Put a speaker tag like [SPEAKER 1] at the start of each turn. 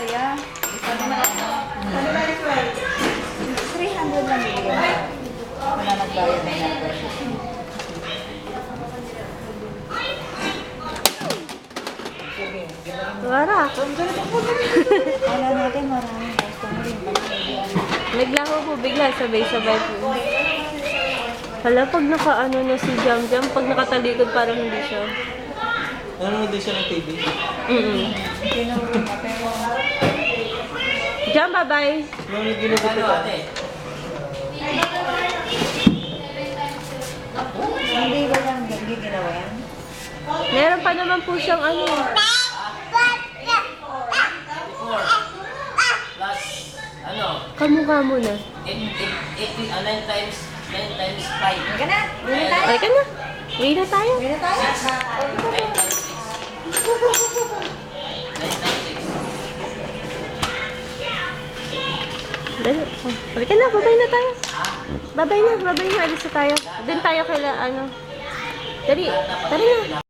[SPEAKER 1] kuya. Sabi mo lang. 300 lang bibigyan mo. Wala nagbayad na natin.
[SPEAKER 2] Wala.
[SPEAKER 1] Wala natin maraming customer yung
[SPEAKER 2] Naglaho po bigla, sabay-sabay po. Hala, pag naka-ano na si Jam Jam, pag nakatalikod parang hindi siya.
[SPEAKER 3] Nanonood din siya ng TV.
[SPEAKER 2] Jam, bye-bye.
[SPEAKER 3] Nanonood din ako ate.
[SPEAKER 1] Hindi ba lang ginawa yan?
[SPEAKER 2] Meron pa naman po siyang ano.
[SPEAKER 4] Plus, ano,
[SPEAKER 2] Kamukha mo na.
[SPEAKER 4] 9 times 5.
[SPEAKER 1] Hindi ka na? Hindi na tayo?
[SPEAKER 2] Ay ka na. Uwi na tayo.
[SPEAKER 1] Hindi na tayo?
[SPEAKER 4] 9 times 6.
[SPEAKER 2] Dali. Oh, halika na, babay na tayo. Babay na, alis na tayo. Doon tayo kaila, ano. Dali, tara na.